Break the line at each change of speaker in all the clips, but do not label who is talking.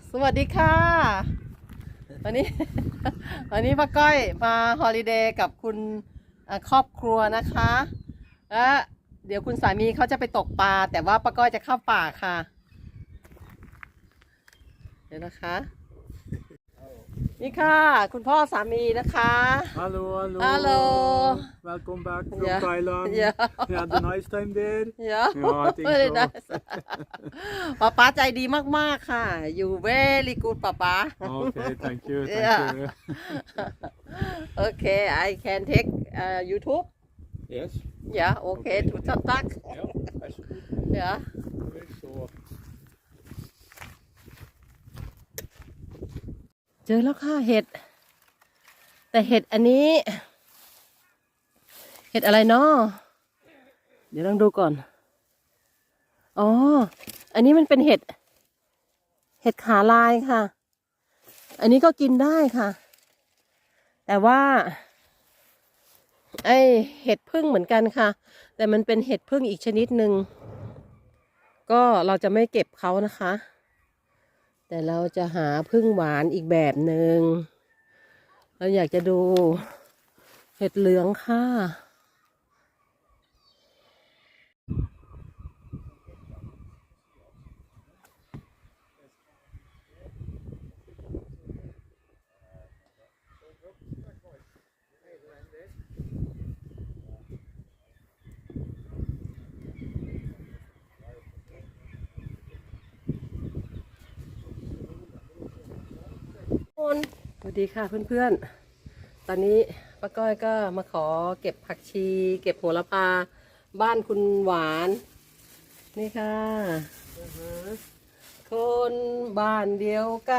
สวัสดีค่ะวันนี้ วันนี้ป้าก้อยมาฮอลิเดย์กับคุณครอบครัวนะคะและเดี๋ยวคุณสามีเขาจะไปตกปลาแต่ว่าป้าก้อยจะเข้าป่าค่ะเดี๋ยวนะคะนี่ค่ะคุณพ่อสามีนะคะ
Hallo, hallo.
Hallo.
Welcome back from
Ja.
Thailand.
Ja.
You had a nice time there?
เยอะ
Ja, I think so.
ป๊าใจดีมากๆค่ะอยู่ very good ป๊า
Okay, thank you, thank
Yeah.
you.
Okay I can take YouTube
Yes.
yeah okay to talk
Ja, alsjeblieft.
yeah
Zo.
เจอแล้วค่ะเห็ดแต่เห็ดอันนี้เห็ดอะไรเนาะเดี๋ยวลองดูก่อนอ๋ออันนี้มันเป็นเห็ดขาลายค่ะอันนี้ก็กินได้ค่ะแต่ว่าไอเห็ดผึ้งเหมือนกันค่ะแต่มันเป็นเห็ดผึ้งอีกชนิดหนึ่งก็เราจะไม่เก็บเขานะคะแต่เราจะหาผึ้งหวานอีกแบบหนึ่งเราอยากจะดูเห็ดเหลืองค่ะสวัสดีค่ะเพื่อนๆตอนนี้ป้าก้อยก็มาขอเก็บผักชีเก็บโหระพาบ้านคุณหวานนี่ค่ะคนบ้านเดียวกัน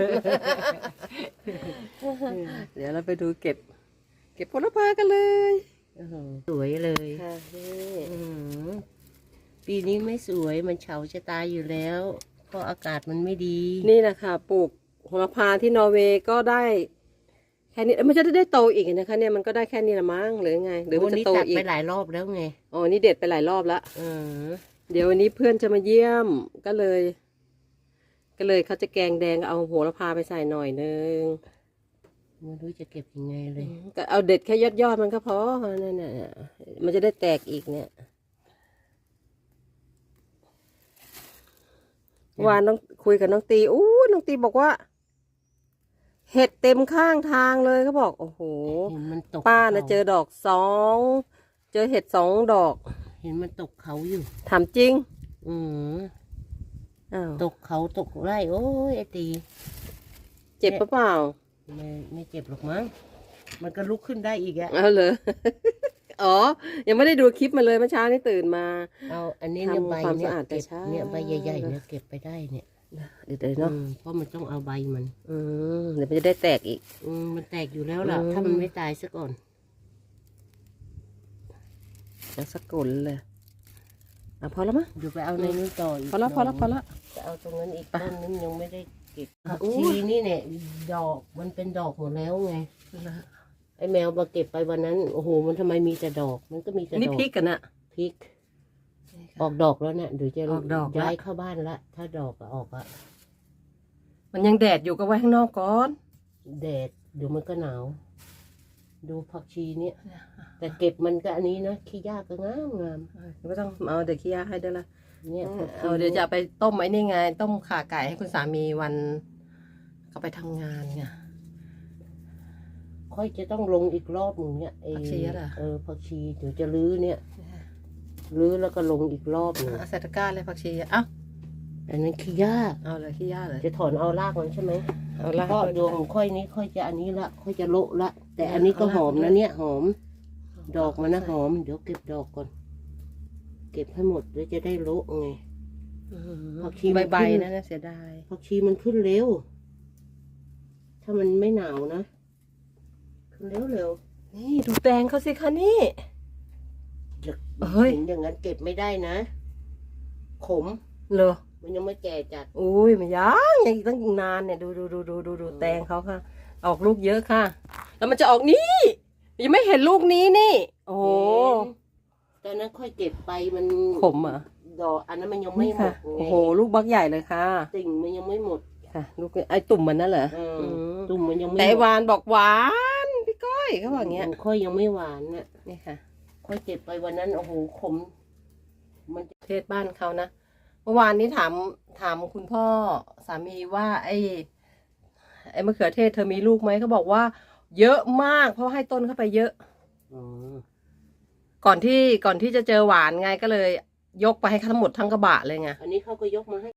เดี๋ยวเราไปดูเก็บโหระพากันเลย
สวยเลย
ค่ะนี่
ปีนี้ไม่สวยมันเฉาจะตายอยู่แล้วเพราะอากาศมันไม่ดี
นี่นะคะปลูกโหระพาที่นอร์เวย์ก็ได้แค่นี้มันจะได้โตอีกนะคะเนี่ยมันก็ได้แค่นี้ละมั้งหรือไงหรือมัน
วัน
จะ
นี้
โต
ตัด
อีก
ไปหลายรอบแล้วไง
อ๋อนี่เด็ดไปหลายรอบแล้ว
เออ
เดี๋ยววันนี้เพื่อนจะมาเยี่ยมก็เลยเขาจะแกงแดงเอาโหระพาไปใส่หน่อยนึง
ไม่รู้จะเก็บยังไงเลย
ก็เอาเด็ดแค่ยอดมันก็พอนั่นน่ะมันจะได้แตกอีกเนี่ยวานน้องคุยกับน้องตีน้องตีบอกว่า เห็ดเต็มข้างทางเลยเขาบอกโอ้โห
เห็นมันตก
ป้านะ
ข
เจอดอกเจอเห็ด2 ดอก
เห็นมันตกเขาอยู่
ถามจริง
อืม
อ้าว
ตกเขาตกไร่โอ้ยไอตี
เจ็บปะเปล่า
ไม่เจ็บหรอกมั้งมันก็ลุกขึ้นได้อีกอะ
เอาเลย อ๋อ ยังไม่ได้ดูคลิปมาเลยเมื่อเช้านี้ตื่นมา
เอาอันนี้เนี่ย
ทำ
ใบ
ความ
เนี่ย
สะอาดแต่
เก็บ
เช้า
เนี่ยใบใหญ่ๆเนี่ยเก็บไปได้เนี่ย
เดี๋ยวเนาะ
เพราะมันต้องเอาใบมัน
เดี๋ยวมันจะได้แตกอีก
มันแตกอยู่แล้วล่ะ
อืม
ถ้ามันไม่ตายซะก่อน
แล้วสกุลเลยพอแล้วมั้ง
เดี๋ยวไปเอาในนู้นต่ออีก
พอแล้ว
หน่ย
พอแล้ว
จะเอาตรงนั้นอีกต้นนึงยังไม่ได้เก็บ
อ่ะ
ผัก
อู้
ชีนี่เนี่ยดอกมันเป็นดอกหมดแล้วไงไอ้แมวมาเก็บไปวันนั้นโอ้โหมันทำไมมีแต่ดอก มันก็มีแต่
นี่
ดอก
พริกกันนะ
พริก ออกดอกแล้วเนี่ยเดี๋ยวจะ
ออกดอกละ
ย้ายเข้าบ้านละถ้าดอกออกอะ
มันยังแดดอยู่ก็ไว้ข้างนอกก่อน
แดดเดี๋ยวมันก็หนาว ดูผักชีเนี่ย แต่เก็บมันก็อันนี้นะขี้ยากก็งาม
ไม่ต้องเอาเดี๋ยวขี้ยาให้ด้วยละ
เนี่ยผักชี
เอาเดี๋ยวจะเอาไปต้มไอ้นี่ไง ต้มข่าไก่ให้คุณสามีวันเขาไปทำงานไง
ค่อยจะต้องลงอีกรอบหนึ่งเนี่ยไอ้
ผักชีอะเหรอ
ผักชีเดี๋ยวจะรื้อเนี่ยรื้อแล้วก็ลงอีกรอบหนึ่ง
เอาใส่ตะกร้าเลยผักชีเอ้า
อันนั้นขี้ยาก
เอาเลยขี้ยาเลย
จะถอนเอารากมันใช่ไหม
เอาละ
เพราะดวงของค่อยนี้ค่อยจะอันนี้ละค่อยจะโละละ แต่อันนี้ก็หอมนะเนี่ยหอม ดอกมันนะหอม เดี๋ยวเก็บดอกก่อน เก็บให้หมดแล้วจะได้โละไง ผักชีมัน
ใบ
ขึ้น
ๆนั่นนะเสียดาย
ผักชีมันขึ้นเร็ว ถ้ามันไม่หนาวนะขึ้นเร็วเร็ว
นี่ดูแตงเขาสิคะนี่
เดี๋ยว
เฮ้ย
เห็นอย่างนั้นเก็บไม่ได้นะ ขม
เหรอ
มันยังไม่แก่จัด
อุ้ยมันยังอีกตั้งนานเนี่ยดูแตงเขาค่ะ ออกลูกเยอะค่ะ แล้วมันจะออกนี่ยังไม่เห็นลูกนี้นี่ โอ้โห
ตอนนั้นค่อยเก็บไปมัน
ขมเหรอ
ดอกอันนั้นมันยังไม่
นี่
หม
ค่ะ
ดไง
โอ้โหลูกบักใหญ่เลยค่ะ
ติ่งมันยังไม่หมด
ค่ะลูกไอ้ตุ่มมันนั่นเหรอ
อืมตุ่มมันยังไม่
แต่ไอ้วานบอกหวานพี่ก้อยเขาบอกอย่างเงี้ย
ค่อยยังไม่หวานน่ะ
นี่ค่ะ
ค่อยเก็บไปวันนั้นโอ้โหขม มันจะ
เทศบ้านเขานะเมื่อวานนี้ถามคุณพ่อสามีว่า ไอ้มะเขือเทศเธอมีลูกไหมเขาบอกว่า เยอะมากเพราะให้ต้นเข้าไปเยอะ
อ๋อ
ก่อนที่จะเจอหวานไงก็เลย ยกไปให้ทั้งหมดทั้งกระบะเลยไง
อันนี้เขาก็ยกมาให้